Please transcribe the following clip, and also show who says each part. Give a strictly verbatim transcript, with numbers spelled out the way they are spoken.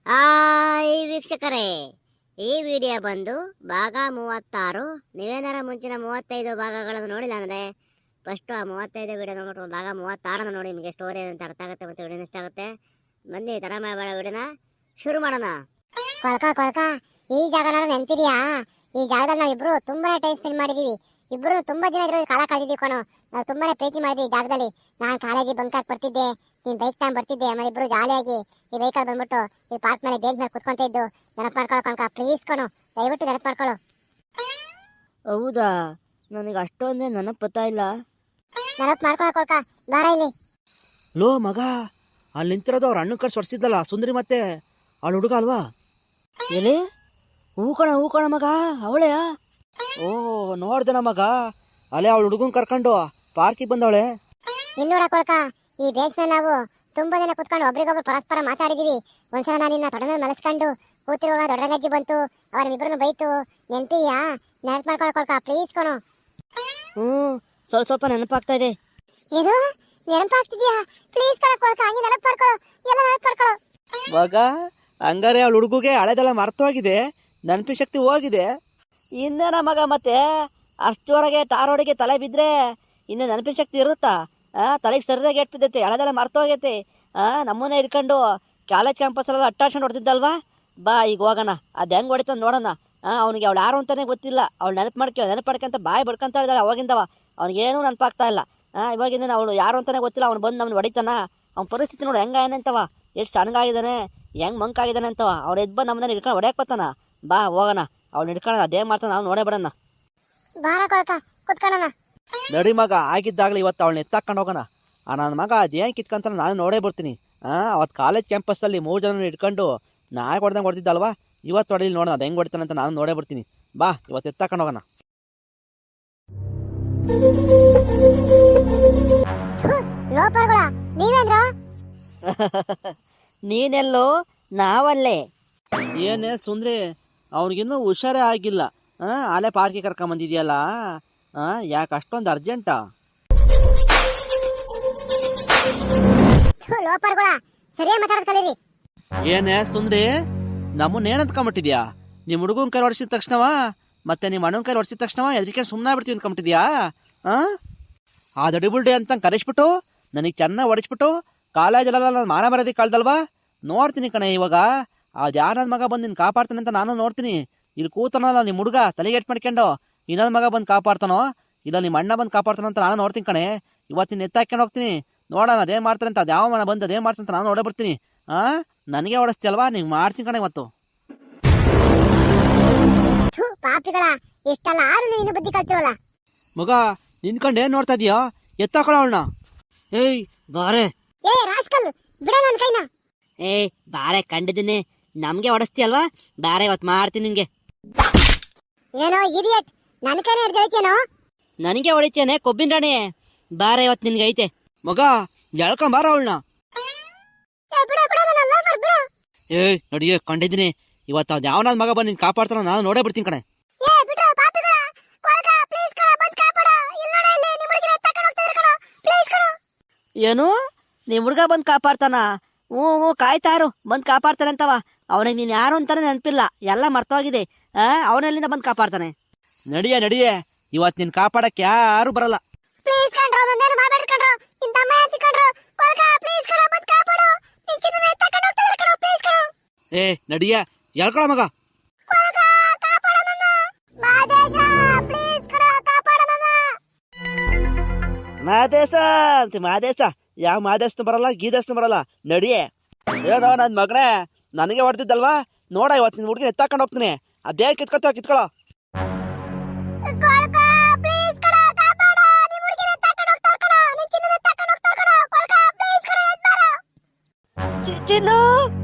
Speaker 1: Hi ವೀಕ್ಷಕರೇ, ಈ video ಬಂದು ಭಾಗ ಮೂವತ್ತಾರು. ನೀವೇನಾರ ಮುಂಚಿನ ಮೂವತ್ತೈದು ಭಾಗಗಳನ್ನು ನೋಡಿಲ್ಲ ಅಂದರೆ ಫಸ್ಟು ಆ ಮೂವತ್ತೈದು ವಿಡಿಯೋ ನೋಡ್ಬಿಟ್ಟು ಭಾಗ ಮೂವತ್ತಾರನ್ನು ನೋಡಿ. ನಿಮಗೆ ಸ್ಟೋರಿ ಅಂತ ಅರ್ಥ ಆಗುತ್ತೆ ಮತ್ತು ವಿಡಿಯೋ ಇಷ್ಟ ಆಗುತ್ತೆ. ಬನ್ನಿ ತರ ಮಾಡಬೇಡ, ವಿಡಿಯೋನ ಶುರು ಮಾಡೋಣ.
Speaker 2: ಕೊಳ್ಕ ಕೊಳ್ಕ ಈ ಜಾಗ ನೋಡೋದು ನೆನಪಿದೆಯಾ? ಈ ಜಾಗದಲ್ಲಿ ನಾವಿಬ್ರು ತುಂಬಾನೇ ಟೈಮ್ ಸ್ಪೆಂಡ್ ಮಾಡಿದೀವಿ. ಇಬ್ರು ತುಂಬಾ ದಿನ ಇದ್ರಲ್ಲಿ ಕಾಲ ಕಳೆದಿದ್ದೀವಿ ಕಣೋ. ನಾವು ತುಂಬಾನೇ ಪ್ರೀತಿ ಮಾಡಿದ್ವಿ ಈ ಜಾಗದಲ್ಲಿ. ನಾನು ಕಾಲೇಜಿಗೆ ಬಂಕ್ ಹಾಕಿ ಬರ್ತಿದ್ದೆ, ನೀನ್ ಬೈಕ್ ತಗೊಂಡ್ ಬರ್ತಿದ್ದೆ. ಆಮೇಲೆ ಇಬ್ರು ಜಾಲಿಯಾಗಿ ಈ ಬೈಕಲ್ಲಿ ಬಂದ್ಬಿಟ್ಟು ಈ ಪಾರ್ಕ್ ಮೇಲೆ ಬೇಂಚ್ ಮೇಲೆ ಕುತ್ಕೊಂತ ಇದ್ದು. ನೆನಪು ಮಾಡ್ಕೊಳ್ಳೋ ಕಣಕ, ಪ್ಲೀಸ್ ಕಣೋ, ದಯವಿಟ್ಟು ನೆನಪು ಮಾಡ್ಕೊಳ್ಳೋ.
Speaker 1: ಹೌದಾ? ನನಗೆ ಅಷ್ಟೊಂದೇ ನೆನಪು ಗೊತ್ತಾ ಇಲ್ಲ.
Speaker 2: ನೆನಪು ಮಾಡ್ಕೊಳ್ಳೋ ಕೊಳ್ಕ, ಬಾರ ಇಲ್ಲಿ.
Speaker 3: ಲೋ ಮಗ, ಅಲ್ಲಿ ನಿಂತಿರೋದು ಅವ್ರ ಅಣ್ಣ ಕರ್ಸಿ ಹೊಡ್ಸಿದ್ದಲ್ಲ ಸುಂದರಿ, ಮತ್ತೆ ಅವಳು ಹುಡುಗ ಅಲ್ವಾ?
Speaker 1: ಎಲ್ಲಿ? ಹೂ ಕಣ ಹೂ ಕಣ ಮಗ, ಅವಳೆಯ?
Speaker 3: ಓ ನೋಡ್ದನ ಮಗ, ಅಲ್ಲೇ ಅವಳು ಹುಡುಗನ್ ಕರ್ಕೊಂಡು ಪಾರ್ಕಿಗೆ ಬಂದವಳೆ.
Speaker 2: ಇಲ್ಲಿ ನೋಡ ಕೊಳ್ಕ, ಈ ಬೇಂಚ್ ಮೇಲೆ ನಾವು ತುಂಬಾ ದಿನ ಕುತ್ಕೊಂಡು ಒಬ್ರಿಗೊಬ್ರು ಪರಸ್ಪರ ಮಾತಾಡಿದೀವಿ. ಒಂದ್ಸಲ ನಾನು ನಿನ್ನ ತೊಡೆ ಮೇಲೆ ಮಲಸ್ಕೊಂಡು ಕೂತಿರುವಾಗ ದೊಡ್ಡಗಜ್ಜಿ ಬಂತು, ಅವ್ರ ಇಬ್ರನ್ನು ಬೈತು. ನೆನಪಿದ್ಯಾ? ನೆನಪು ಮಾಡ್ಕೊಳ್ಳೋ ಕೊಳ್ಕ, ಪ್ಲೀಸ್ ಕಣೋ.
Speaker 1: ಹ್ಞೂ, ಸ್ವಲ್ಪ ಸ್ವಲ್ಪ ನೆನಪಾಗ್ತಾ ಇದೆ.
Speaker 2: ಇದು ನೆನಪಾಗ್ತಿದ್ಯಾ? ಪ್ಲೀಸ್ ಕಣ ಕೊಳ್ಕ, ಹಂಗೆ ನೆನಪು ಮಾಡ್ಕೊಳ್ಳೋ, ಎಲ್ಲ ನೆನಪು ಮಾಡ್ಕೊಳ್ಳೋ.
Speaker 3: ಮಗ, ಹಂಗಾರೆ ಅವಳು ಹುಡುಗಿಗೆ ಹಳೆದೆಲ್ಲ ಮರ್ತೋಗಿದೆ, ನೆನಪಿ ಶಕ್ತಿ ಹೋಗಿದೆ.
Speaker 1: ಇನ್ನೇನ ಮಗ, ಮತ್ತೆ ಅಷ್ಟರವರೆಗೆ ಟಾರೋಡಿಗೆ ತಲೆ ಬಿದ್ದರೆ ಇನ್ನೇ ನೆನಪಿನ ಶಕ್ತಿ ಇರುತ್ತಾ? ಹಾಂ, ತಲೆಗೆ ಸರಿಯಾಗಿ ಎಟ್ಬಿದ್ದೈತೆ, ಹಳೆದೆಲ್ಲ ಮರ್ತೋಗೈತೆ. ಹಾಂ, ನಮ್ಮನ್ನೇ ಇಟ್ಕೊಂಡು ಕಾಲೇಜ್ ಕ್ಯಾಂಪಸ್ಸೆಲ್ಲ ಅಟ್ಟಾಡ್ಸ್ಕೊಂಡು ಹೊಡ್ತಿದ್ದಲ್ವಾ? ಬಾ ಈಗ ಹೋಗೋಣ, ಅದು ಹೆಂಗೆ ಹೊಡಿತಾನೆ ನೋಡೋಣ. ಹಾಂ, ಅವ್ನಿಗೆ ಅವಳು ಯಾರು ಅಂತಲೇ ಗೊತ್ತಿಲ್ಲ. ಅವ್ಳು ನೆನಪು ಮಾಡ್ಕೊ ನೆನಪು ಮಾಡ್ಕೊಂತ ಬಾಯಿ ಬಡ್ಕೊಂತ ಇದ್ದಾಳೆ ಅವಾಗಿಂದವ. ಅವ್ನಿಗೇನೂ ನೆನಪಾಗ್ತಾ ಇಲ್ಲ. ಹಾಂ, ಇವಾಗಿಂದ ಅವಳು ಯಾರು ಅಂತಲೇ ಗೊತ್ತಿಲ್ಲ. ಅವ್ನು ಬಂದು ಅವ್ನು ಹೊಡಿತಾನ. ಅವ್ನ ಪರಿಸ್ಥಿತಿ ನೋಡು ಹೆಂಗೆ ಏನಂತವ, ಎಷ್ಟು ಸಣ್ಣಗಾಗಿದ್ದಾನೆ, ಹೆಂಗೆ ಮಂಕಾಗಿದ್ದಾನೆ ಅಂತವ. ಅವ್ನು ಎದ್ದು ಬಂದು ನಮ್ಮನ್ನ ಹಿಡ್ಕೊಂಡು ಹೊಡ್ಯಕ್ಕೆ ಬರ್ತಾನ. ಬಾ ಹೋಗೋಣ, ಅವ್ನು ಹಿಡ್ಕೊಳ್ಳೋಣ, ಅದೇ ಮಾಡ್ತಾನೆ, ನಾವು ನೋಡೇ ಬಿಡೋಣ.
Speaker 2: ಬಾರ ಕೊಳ್ಕ, ಕುತ್ಕೊಳ್ಳೋಣ.
Speaker 3: ನಡಿ ಮಗ, ಆಗಿದ್ದಾಗಲಿ ಇವತ್ತು ಅವಳನ್ನ ಎತ್ತಾಕೊಂಡು ಹೋಗೋಣ. ಆ ನನ್ನ ಮಗ ಅದೇನು ಕಿತ್ಕೊಂತ ನಾನು ನೋಡೇ ಬರ್ತೀನಿ. ಹಾಂ, ಅವತ್ತು ಕಾಲೇಜ್ ಕ್ಯಾಂಪಸ್ಸಲ್ಲಿ ಮೂರು ಜನ ಇಟ್ಕೊಂಡು ನಾಯಿ ಹೊಡೆದಂಗೆ ಹೊಡೆದಿದ್ದಲ್ವಾ? ಇವತ್ತು ಹೊಡೆದಿಲ್ಲ ನೋಡೋಣ, ಅದು ಹೆಂಗೆ ಹೊಡಿತಾನೆ ಅಂತ ನಾನು ನೋಡೇ ಬರ್ತೀನಿ. ಬಾ ಇವತ್ತು ಎತ್ತಾಕೊಂಡು ಹೋಗೋಣ.
Speaker 2: ಲೋಪರ್ಗಳ ನೀವೇಂದ್ರ?
Speaker 1: ನೀನೆಲ್ಲೋ, ನಾವಲ್ಲೇ.
Speaker 3: ಏನೇ ಸುಂದ್ರಿ, ಅವ್ನಿಗಿನ್ನೂ ಹುಷಾರೇ ಆಗಿಲ್ಲ. ಹಾಂ, ಅಲ್ಲೇ ಪಾರ್ಕಿಗೆ ಕರ್ಕೊಂಬಂದಿದ್ಯಲ್ಲ. ಹಾಂ, ಯಾಕೆ ಅಷ್ಟೊಂದು ಅರ್ಜೆಂಟಾ?
Speaker 2: ಲೋಪರ್ಗಳ ಸರಿಯಾಗಿ ಮಾತಾಡೋದು ಕಲೀರಿ.
Speaker 3: ಏನೇ ಸುಂದ್ರಿ, ನಮ್ಮನ್ನ ಏನು ಅಂದ್ಕೊಂಬಿಟ್ಟಿದ್ಯಾ? ನಿಮ್ಮ ಹುಡುಗನ ಕೈ ಹೊಡಿಸಿದ ತಕ್ಷಣವ, ಮತ್ತೆ ನಿಮ್ಮ ಅಣ್ಣನ ಕೈ ಹೊಡಿಸಿದ ತಕ್ಷಣವ ಎದಕ್ಕೆ ಸುಮ್ಮನೆ ಬಿಡ್ತೀವಿ ಅಂದ್ಕೊಂಬಿಟ್ಟಿದ್ಯಾ? ಹಾಂ, ಆ ದಡಿಬುಲ್ಡಿ ಅಂತ ಕರೆಸ್ಬಿಟ್ಟು ನನಗೆ ಚೆನ್ನಾಗಿ ಹೊಡಿಸ್ಬಿಟ್ಟು ಕಾಲೇಜಲ್ಲೆಲ್ಲ ನಾನು ಮಾನ ಬರೋದಕ್ಕೆ ಕಳ್ದಲ್ವಾ? ನೋಡ್ತೀನಿ ಕಣೆ ಇವಾಗ. ಅದು ಯಾರ ನನ್ನ ಮಗ ಬಂದು ನಿನ್ನ ಕಾಪಾಡ್ತಾನೆ ಅಂತ ನಾನು ನೋಡ್ತೀನಿ. ಇಲ್ಲಿ ಕೂತಾನಲ್ಲ ನಿಮ್ಮ ಹುಡುಗ ತಲೆಗೆ ಎಟ್ಟು ಮಾಡ್ಕೊಂಡು, ಇನ್ನೊಂದು ಮಗ ಬಂದು ಕಾಪಾಡ್ತಾನೋ ಇಲ್ಲ ನಿಮ್ಮ ಅಣ್ಣ ಬಂದು ಕಾಪಾಡ್ತಾನೋ ಅಂತ ನಾನು ನೋಡ್ತೀನಿ ಕಣೆ. ಇವತ್ತಿನ ಎತ್ತಾಕೊಂಡು ಹೋಗ್ತೀನಿ, ನೋಡೋಣ ಅದೇನು ಮಾಡ್ತಾರೆ ಅಂತ. ಅದು ಯಾವ ಮನ ಬಂದು ಅದೇನು ಮಾಡ್ತಾನೆ ಅಂತ ನಾನು ನೋಡೇ ಬರ್ತೀನಿ. ಹಾಂ, ನನಗೆ ಹೊಡಿಸ್ತೀಯಲ್ವಾ, ನೀವು ಮಾಡ್ತೀನಿ ಕಣೆ ಇವತ್ತು.
Speaker 2: ಪಾಪಿಗಳ ಎಷ್ಟಲ್ಲ ಆರು ನೀವು ಬುದ್ಧಿ ಕಲ್ತಿವಲ್ಲ.
Speaker 3: ಮಗ, ನಿಂತ್ಕೊಂಡು ಏನು ನೋಡ್ತಾ ಇದೀಯೋ? ಎತ್ತಾಕೊಳ್ಳೋ ಅವಳನ್ನ.
Speaker 1: ಏಯ್ ಬಾರೆ.
Speaker 2: ಏ ರಾಸ್ಕಲ್, ಬಿಡ ನನ್ನ ಕೈನ.
Speaker 1: ಏಯ್ ಬಾರೆ, ಕಂಡಿದ್ದೀನಿ. ನಮಗೆ ಹೊಡಿಸ್ತೀಯಲ್ವಾ? ಬಾರೆ, ಇವತ್ತು ಮಾಡ್ತೀನಿ ನಿನಗೆ.
Speaker 2: ಏನೋ ಇಡಿಯಟ್, ನನ್ನ ಕೈನ ಹಿಡ್ದೈತೇನೋ.
Speaker 1: ನನಗೆ ಹೊಡಿತೇನೆ ಕೊಬ್ಬಿನ ರಾಣಿ. ಬಾರೆ, ಇವತ್ತು ನಿನ್ಗೆ ಐತೆ.
Speaker 3: ಮಗ, ಎಳ್ಕೊಂಬಾರ ಅವಳನ್ನ. ಏಯ್ ನಡಿಯೇ, ಕಂಡಿದ್ದೀನಿ. ಇವತ್ತು ಅದು ಯಾವ ನನ್ನ ಮಗ ಬಂದು ನಿನ್ನ ಕಾಪಾಡ್ತಾನೋ ನಾನು ನೋಡೇ ಬಿಡ್ತೀನಿ ಕಣೆ.
Speaker 1: ಏನು, ನಿಮ್ಮ ಹುಡುಗ ಬಂದು ಕಾಪಾಡ್ತಾನ? ಹ್ಞೂ ಹ್ಞೂ, ಕಾಯ್ತಾರು, ಬಂದು ಕಾಪಾಡ್ತಾನೆ ಅಂತವ. ಅವನಿಗೆ ನೀನು ಯಾರು ಅಂತಾನೆ ನೆನಪಿಲ್ಲ, ಎಲ್ಲ ಮರ್ತೋಗಿದೆ. ಹಾಂ, ಅವನೆಲ್ಲಿಂದ ಬಂದು ಕಾಪಾಡ್ತಾನೆ?
Speaker 3: ನಡಿಯೇ ನಡಿಯೇ, ಇವತ್ತು ನಿನ್ನ ಕಾಪಾಡಕ್ಕೆ ಯಾರು ಬರಲ್ಲ. ಏ ನಡಿಯೇ, ಎಳ್ಕೊಳ ಮಗ. ಮಾದೇಶ ಅಂತ ಮಾದೇಶ, ಯಾವ ಮಾದೇಶನು ಬರಲ್ಲ, ಗೀದೇಶನು ಬರಲ್ಲ. ನಡಿಯೇ. ಏನೋ ನನ್ನ ಮಗನೇ, ನನಗೆ ಹೊಡೆದಿದ್ದಲ್ವಾ? ನೋಡ, ಇವತ್ತು ನಿನ್ನ ಹುಡುಗಿನ ಎತ್ತಾಕೊಂಡು ಹೋಗ್ತೀನಿ. ಅದೇ ಕಿತ್ಕೊತ ಕಿತ್ಕೊಳ್ಳೋ.
Speaker 1: ಚಿನ್ನು